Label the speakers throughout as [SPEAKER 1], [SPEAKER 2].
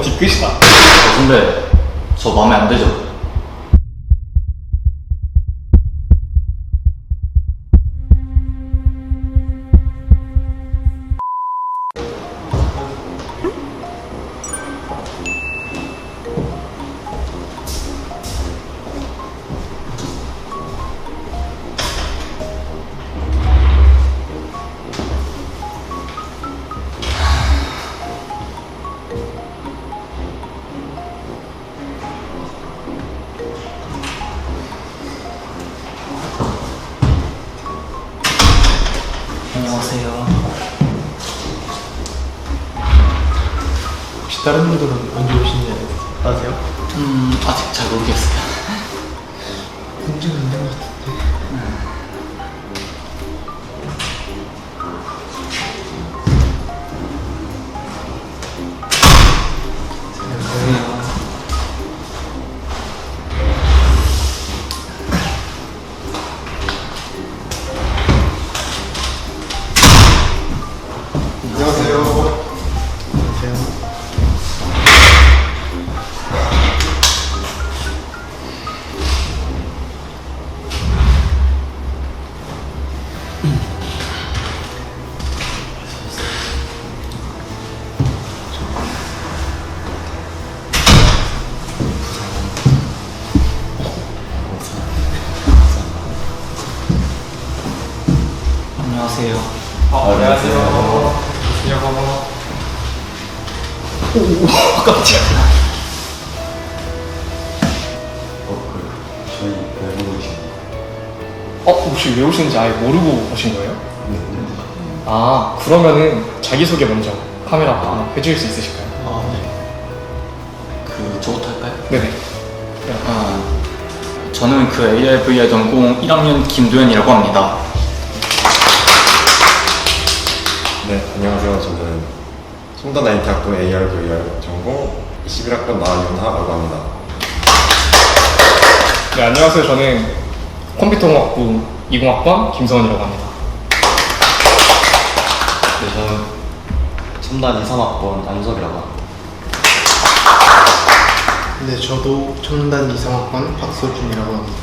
[SPEAKER 1] 뒤끝이다.
[SPEAKER 2] 근데 저 마음에 안 들죠? 안녕하세요.
[SPEAKER 1] 혹시 다른 분들은 언제 오시는지 아세요?
[SPEAKER 2] 아직 잘 모르겠어요.
[SPEAKER 1] 문제는 있는 것 같은데.
[SPEAKER 2] 안녕하세요.
[SPEAKER 1] 안녕하세요.
[SPEAKER 2] 깜짝이야.
[SPEAKER 3] 저희 왜 보고 계신
[SPEAKER 1] 혹시 왜 오시는지 아예 모르고 오신 거예요?
[SPEAKER 3] 거예요?
[SPEAKER 1] 아, 그러면은 자기소개 먼저 카메라 해주실 수 있으실까요?
[SPEAKER 2] 저부터 할까요?
[SPEAKER 1] 네네.
[SPEAKER 2] 저는 그 AR VR 전공 1학년 김도현이라고 합니다.
[SPEAKER 3] 네, 안녕하세요. 저는 송도 나인대학교 AR VR 전공 21학번 나윤하라고 합니다.
[SPEAKER 1] 네, 안녕하세요. 저는 컴퓨터공학부 20학번 김성원이라고 합니다.
[SPEAKER 4] 네, 저는 첨단 2, 3학번 안섭이라고 합니다.
[SPEAKER 5] 네, 저도 첨단 이상학번 박서준이라고 합니다.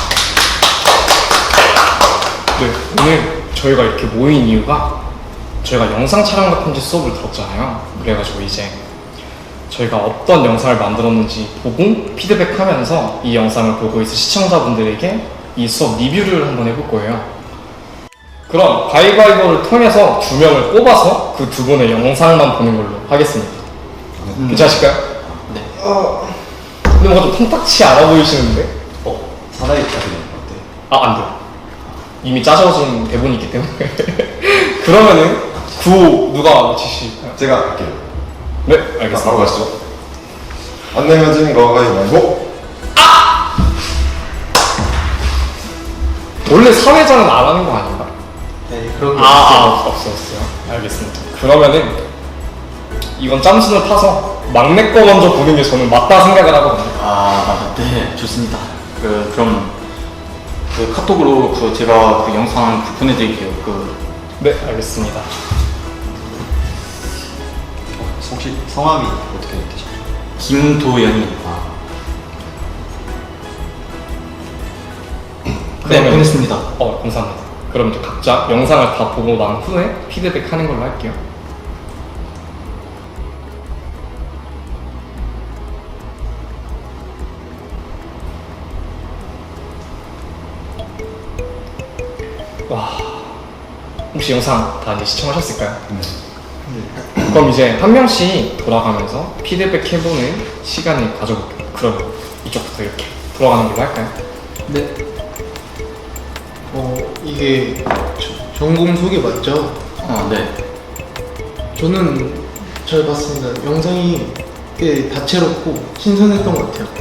[SPEAKER 1] 네, 오늘 저희가 이렇게 모인 이유가 저희가 영상 촬영과 편집 수업을 들었잖아요. 그래가지고 이제 저희가 어떤 영상을 만들었는지 보고 피드백하면서 이 영상을 보고 있을 시청자분들에게 이 수업 리뷰를 한번 해볼 거예요. 그럼 가위바위보를 통해서 2명을 뽑아서 그 2분의 영상만 보는 걸로 하겠습니다. 괜찮으실까요?
[SPEAKER 2] 네.
[SPEAKER 1] 근데 뭔가 좀 탐탁치 않아 보이시는데?
[SPEAKER 4] 사다리 짜리는 어때요?
[SPEAKER 1] 안 돼요. 이미 짜져진 대본이 있기 때문에. 그러면은 구호 누가 맞히실까요?
[SPEAKER 3] 제가 할게요.
[SPEAKER 1] 네,
[SPEAKER 3] 바로
[SPEAKER 1] 알겠습니다.
[SPEAKER 3] 가시죠. 안 내면 지는 거 가위바위보.
[SPEAKER 1] 원래 사회자는 안 하는 거 아닌가?
[SPEAKER 5] 네, 그런 게
[SPEAKER 1] 없었어요. 알겠습니다. 그러면은 이건 짬순을 타서 막내 거 먼저 보는 게 저는 맞다 생각을 하거든요.
[SPEAKER 2] 네, 좋습니다. 그럼 카톡으로 제가 그 영상 보내드릴게요.
[SPEAKER 1] 네, 알겠습니다.
[SPEAKER 4] 혹시 성함이 어떻게 되시죠?
[SPEAKER 2] 김도현이.
[SPEAKER 1] 그러면-
[SPEAKER 2] 보냈습니다.
[SPEAKER 1] 감사합니다. 그럼 이제 각자 영상을 다 보고 난 후에 피드백 하는 걸로 할게요. 와, 혹시 영상 다 이제 시청하셨을까요? 네. 그럼 이제 한 명씩 돌아가면서 피드백 해보는 시간을 가져볼게요. 그럼 이쪽부터 이렇게 돌아가는 걸로 할까요?
[SPEAKER 2] 네.
[SPEAKER 5] 이게 전공 소개 맞죠?
[SPEAKER 2] 네.
[SPEAKER 5] 저는 잘 봤습니다. 영상이 꽤 다채롭고 신선했던 것 같아요.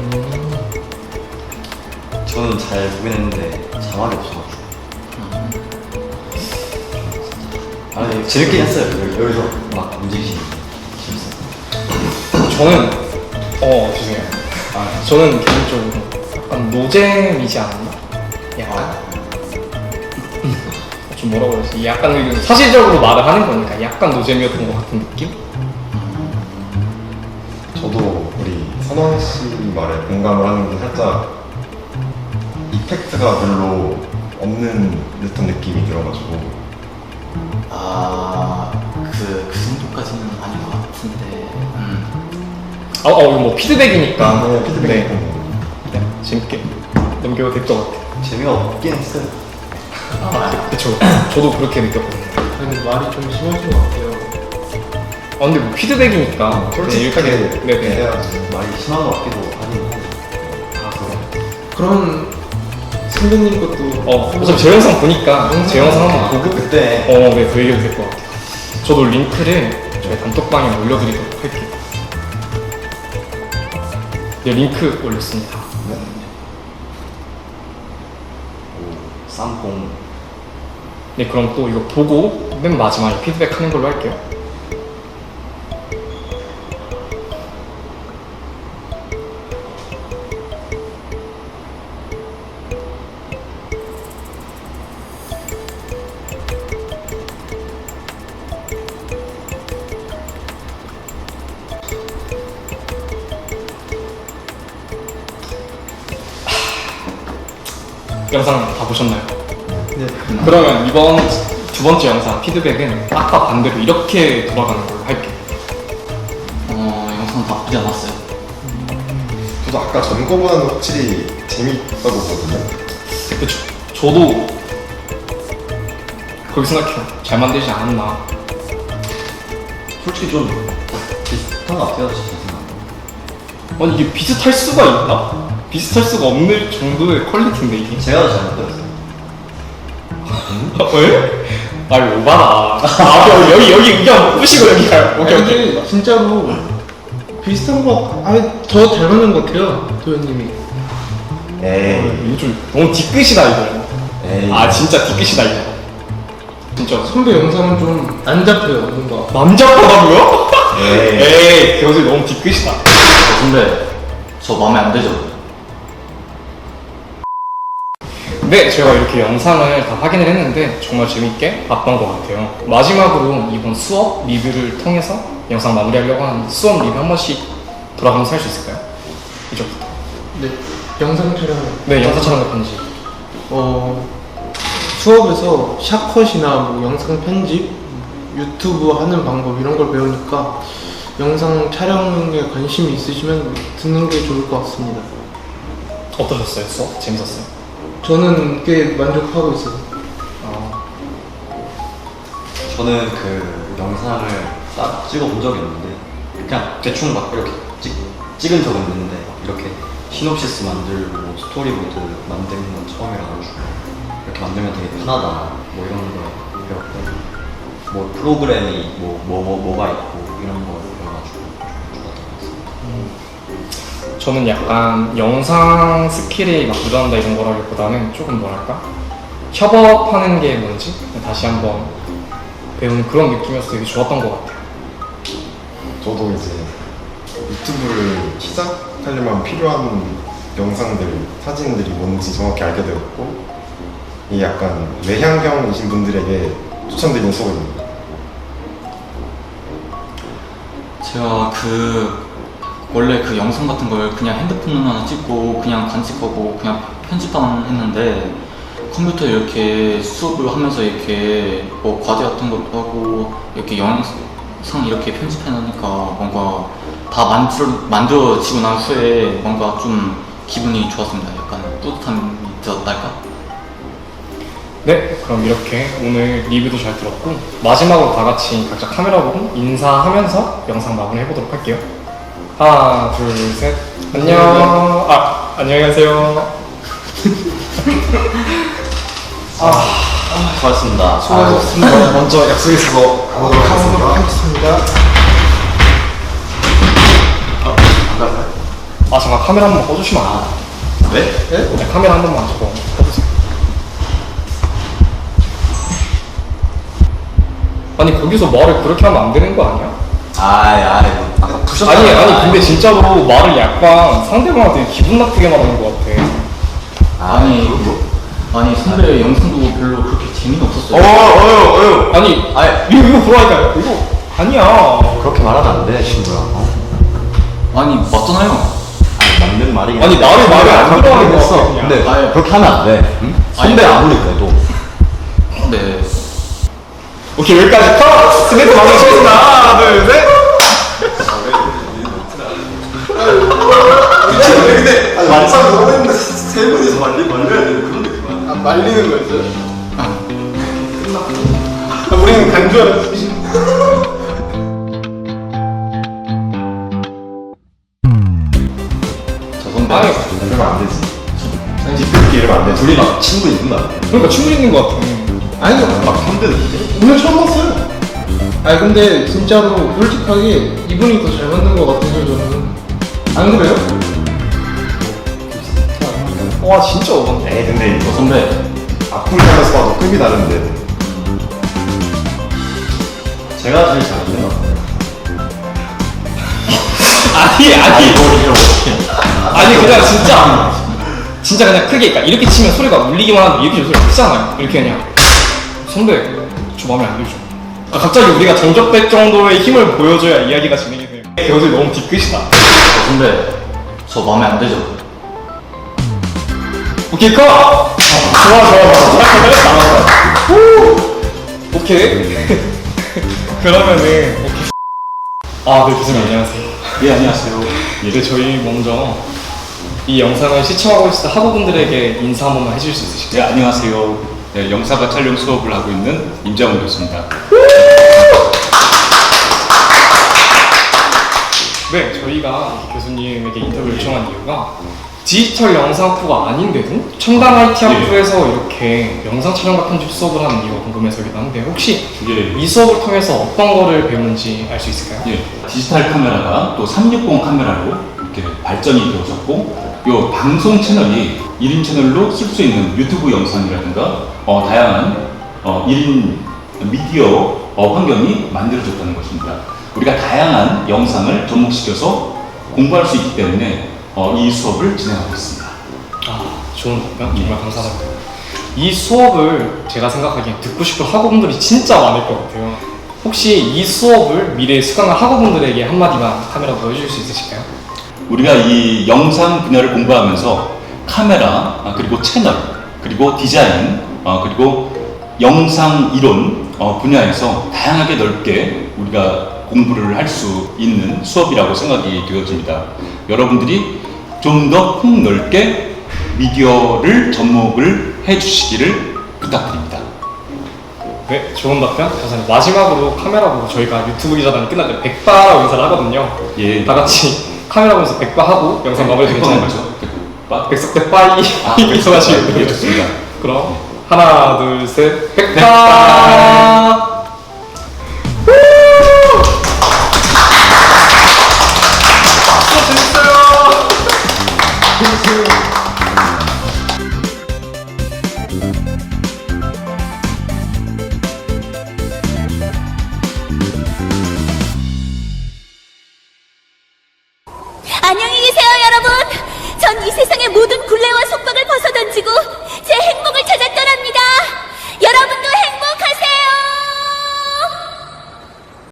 [SPEAKER 4] 저는 잘 보긴 했는데 자막이 없어가지고. 재밌게 했어요. 여기서 막 움직이시는 게 재밌어요.
[SPEAKER 1] 저는 죄송해요. 저는 개인적으로 약간 노잼이지 않았나? 약간 좀 뭐라고 해야 되지? 약간 사실적으로 말을 하는 거니까 약간 노잼이었던 것 같은 느낌?
[SPEAKER 3] 저도 우리 선원 씨 말에 공감을 하는 게 살짝 이펙트가 별로 없는 듯한 느낌이 들어가지고
[SPEAKER 2] 그 정도까지는 아닌 것 같은데.
[SPEAKER 1] 이거 뭐 피드백이니까.
[SPEAKER 3] 네, 피드백
[SPEAKER 1] 네.
[SPEAKER 3] 같은 거.
[SPEAKER 1] 네, 재밌게 넘겨도 될 것 같아요.
[SPEAKER 4] 재미가 없긴 했어요.
[SPEAKER 1] 그쵸. 저도 그렇게 느꼈거든요.
[SPEAKER 5] 근데 말이 좀 심하신 것 같아요.
[SPEAKER 1] 근데 뭐 피드백이니까.
[SPEAKER 3] 솔직하게
[SPEAKER 1] 네네.
[SPEAKER 3] 해야지.
[SPEAKER 4] 말이 심한 것 같기도 하긴 해요.
[SPEAKER 5] 그럼 선배님 것도
[SPEAKER 1] 어차피 제 영상 보니까 제 영상 한번 보고
[SPEAKER 3] 그때
[SPEAKER 1] 네, 그 얘기도 될 것 같아요. 저도 링크를 저희 단톡방에 올려드리도록 할게요. 네, 링크 올렸습니다.
[SPEAKER 4] 쌈뽕.
[SPEAKER 1] 네, 그럼 또 이거 보고 맨 마지막에 피드백 하는 걸로 할게요. 영상 다 보셨나요?
[SPEAKER 5] 네.
[SPEAKER 1] 그러면 이번 두 번째 영상 피드백은 아까 반대로 이렇게 돌아가는 걸로 할게요.
[SPEAKER 2] 영상 나쁘지 않았어요.
[SPEAKER 3] 저도 아까 전 거보다는 확실히 재밌다고 보거든요.
[SPEAKER 1] 그쵸. 저도 그렇게 생각해요. 잘 만들지 않았나.
[SPEAKER 4] 솔직히 좀 비슷한 것 같아요, 진짜.
[SPEAKER 1] 아니 이게 비슷할 수가 있나? 비슷할 수가 없는 정도의 퀄리티인데 이게.
[SPEAKER 4] 제가 더 잘못 들었어요.
[SPEAKER 1] 왜? 아이 오바다. 여기 의견 뿌시고 여기 가요. 오케이.
[SPEAKER 5] 근데 진짜로 비슷한 거 아니 더 잘 맞는 것 같아요 도현님이.
[SPEAKER 3] 에이.
[SPEAKER 1] 이거 좀 너무 뒤끝이다 이거.
[SPEAKER 3] 에이.
[SPEAKER 1] 진짜 뒤끝이다 이거. 진짜
[SPEAKER 5] 선배 영상은 좀 안 잡혀요 뭔가.
[SPEAKER 1] 남자하다고요?
[SPEAKER 3] 에이.
[SPEAKER 1] 에이 그것이 너무 뒤끝이다.
[SPEAKER 2] 근데 저 마음에 안 들죠?
[SPEAKER 1] 네, 제가 이렇게 영상을 다 확인을 했는데 정말 재밌게 봤던 것 같아요. 마지막으로 이번 수업 리뷰를 통해서 영상 마무리하려고 하는데 수업 리뷰 한 번씩 돌아가면서 할 수 있을까요? 이제부터.
[SPEAKER 5] 네. 영상 촬영.
[SPEAKER 1] 네, 영상 촬영 편지.
[SPEAKER 5] 수업에서 샷컷이나 뭐 영상 편집, 유튜브 하는 방법 이런 걸 배우니까 영상 촬영에 관심이 있으시면 듣는 게 좋을 것 같습니다.
[SPEAKER 1] 어떠셨어요? 수업? 재밌었어요?
[SPEAKER 5] 저는 꽤 만족하고 있어요.
[SPEAKER 4] 저는 그 영상을 딱 찍어본 적이 없는데 그냥 대충 막 이렇게 찍은 적은 있는데 이렇게 시놉시스 만들고 뭐 스토리보드 만드는 건 처음이라가지고 이렇게 만들면 되게 편하다 뭐 이런 거 배웠고 뭐 프로그램이 뭐가 있고 이런 거 배워가지고 좀 좋았던 것 같습니다.
[SPEAKER 1] 저는 약간 영상 스킬이 막 늘어난다 이런 거라기보다는 조금 뭐랄까? 협업하는 게 뭔지 다시 한번 배우는 그런 느낌이어서 되게 좋았던 것 같아요.
[SPEAKER 3] 저도 이제 유튜브를 시작하려면 필요한 영상들, 사진들이 뭔지 정확히 알게 되었고 이 약간 외향형이신 분들에게 추천드리는 수업입니다.
[SPEAKER 2] 제가 원래 그 영상 같은 걸 그냥 핸드폰으로만 찍고 그냥 간직하고 그냥 편집만 했는데 컴퓨터에 이렇게 수업을 하면서 이렇게 뭐 과제 같은 것도 하고 이렇게 영상 이렇게 편집해 놓으니까 뭔가 다 만들어지고 난 후에 뭔가 좀 기분이 좋았습니다. 약간 뿌듯함이 들었달까?
[SPEAKER 1] 네, 그럼 이렇게 오늘 리뷰도 잘 들었고 마지막으로 다 같이 각자 카메라 보고 인사하면서 영상 마무리 해보도록 할게요. 하나, 둘, 셋. 안녕. 안녕히 가세요.
[SPEAKER 4] 수고하셨습니다.
[SPEAKER 5] 수고하셨습니다.
[SPEAKER 3] 먼저 약속에 있어서 가보도록 하겠습니다.
[SPEAKER 5] 하겠습니다.
[SPEAKER 1] 잠깐 카메라 한 번만 꺼주시면 안 돼요?
[SPEAKER 4] 네?
[SPEAKER 1] 네, 카메라 한 번만 저거 꺼주세요. 아니 거기서 말을 그렇게 하면 안 되는 거 아니야?
[SPEAKER 4] 아까 부셨잖아요.
[SPEAKER 1] 아니 근데 진짜로 말을 약간 상대방한테 기분 나쁘게 말하는 것 같아.
[SPEAKER 2] 아니 선배 영상도 별로 그렇게 재미는 없었어요.
[SPEAKER 1] 아니
[SPEAKER 4] 아니
[SPEAKER 1] 이거 보라니까요. 이거 아니야.
[SPEAKER 4] 그렇게 말하면 안 돼, 친구야.
[SPEAKER 2] 아니 맞잖아요.
[SPEAKER 4] 맞는 말이긴
[SPEAKER 1] 아니,
[SPEAKER 4] 한데.
[SPEAKER 1] 나를 말을 안 들어하는 거
[SPEAKER 4] 했어.
[SPEAKER 1] 같아, 그냥.
[SPEAKER 4] 근데
[SPEAKER 2] 아예.
[SPEAKER 4] 그렇게 하면 안 돼. 응? 선배 아무리 그래도.
[SPEAKER 2] 네.
[SPEAKER 1] 오케이, 여기까지 컷! 스매트 방송 치겠습니다. 하나, 둘, 셋!
[SPEAKER 3] 아니 말싸움 너무 했는데 세 분이서 말려야 되는 그런 느낌.
[SPEAKER 5] 아, 말리는 거였어요? 끝났고. 우리는 간주하는.
[SPEAKER 2] 저 선배.
[SPEAKER 1] 아니,
[SPEAKER 3] 이러면 안 되지. 뒷끝기 이러면 안 돼. 둘이 막 친구 있는 거 아니야?
[SPEAKER 1] 그러니까 친구 있는 것 같아.
[SPEAKER 5] 아니요.
[SPEAKER 3] 막 힘드는데?
[SPEAKER 5] 오늘 처음 봤어요. 아니 근데 진짜로 솔직하게 이분이 더 잘 만든 것 같아요 저는. 안 그래요?
[SPEAKER 1] 와, 진짜 어반데.
[SPEAKER 3] 에이 근데
[SPEAKER 2] 저
[SPEAKER 3] 이거
[SPEAKER 2] 선배.
[SPEAKER 3] 앞을 하면서 봐도 급이 다른데.
[SPEAKER 4] 제가 제일 잘 만든 것 같아요.
[SPEAKER 1] 아니, 아니 그냥 진짜 그냥 크게, 그러니까 이렇게 치면 소리가 울리기만 하는데 이렇게 치면 소리가 크잖아요. 이렇게 그냥 선배, 저 마음에 안 들죠. 아, 갑자기 우리가 정적될 정도의 힘을 보여줘야 이야기가 진행이 돼요. 여기 너무 뒤끝이다.
[SPEAKER 2] 저 선배. 저 마음에 안 들죠.
[SPEAKER 1] 오케이, 컷! 좋아. 잘했다. 오케이. 그러면은, 오케이. 아, 네, 교수님 안녕하세요.
[SPEAKER 2] 예 안녕하세요.
[SPEAKER 1] 네, 저희 먼저 이 영상을 시청하고 있을 학우분들에게 인사 한 번만 해주실 수 있으실까요?
[SPEAKER 6] 네, 안녕하세요. 네, 영상과 촬영 수업을 하고 있는 임장훈 교수입니다.
[SPEAKER 1] 네, 저희가 교수님에게 인터뷰를 요청한 이유가 디지털 영상 학부가 아닌데도 첨단 IT 학부에서 이렇게 영상 촬영과 편집 수업을 하는 이유가 궁금해서기도 한데 혹시
[SPEAKER 6] 예,
[SPEAKER 1] 이 수업을 통해서 어떤 거를 배우는지 알 수 있을까요?
[SPEAKER 6] 예, 디지털 카메라가 또 360 카메라로 이렇게 발전이 되어졌고, 요 방송 채널이 1인 채널로 쓸 수 있는 유튜브 영상이라든가 다양한 1인 미디어 환경이 만들어졌다는 것입니다. 우리가 다양한 영상을 접목시켜서 공부할 수 있기 때문에 이 수업을 진행하고 있습니다.
[SPEAKER 1] 아, 좋은 답변 정말 감사합니다. 이 수업을 제가 생각하기엔 듣고 싶은 학우분들이 진짜 많을 것 같아요. 혹시 이 수업을 미래에 수강할 학우분들에게 한마디만 카메라 보여주실 수 있으실까요?
[SPEAKER 6] 우리가 이 영상 분야를 공부하면서 카메라, 그리고 채널, 그리고 디자인, 그리고 영상 이론 분야에서 다양하게 넓게 우리가 공부를 할 수 있는 수업이라고 생각이 되어집니다. 여러분들이 좀 더 폭넓게 미디어를 접목을 해주시기를 부탁드립니다.
[SPEAKER 1] 네, 좋은 답변 감사합니다. 마지막으로 카메라 보고 저희가 유튜브 기자단이 끝날 때 백바라고 인사를 하거든요.
[SPEAKER 6] 예.
[SPEAKER 1] 다 같이 카메라 보면서 백바하고 영상 마무리 괜찮아요?
[SPEAKER 6] 거죠?
[SPEAKER 1] 백석대 빠이 인사하시고
[SPEAKER 6] 예, 좋습니다.
[SPEAKER 1] 그럼 하나 둘 셋 백바.
[SPEAKER 7] 안녕히 계세요, 여러분. 전 이 세상의 모든 굴레와 속박을 벗어던지고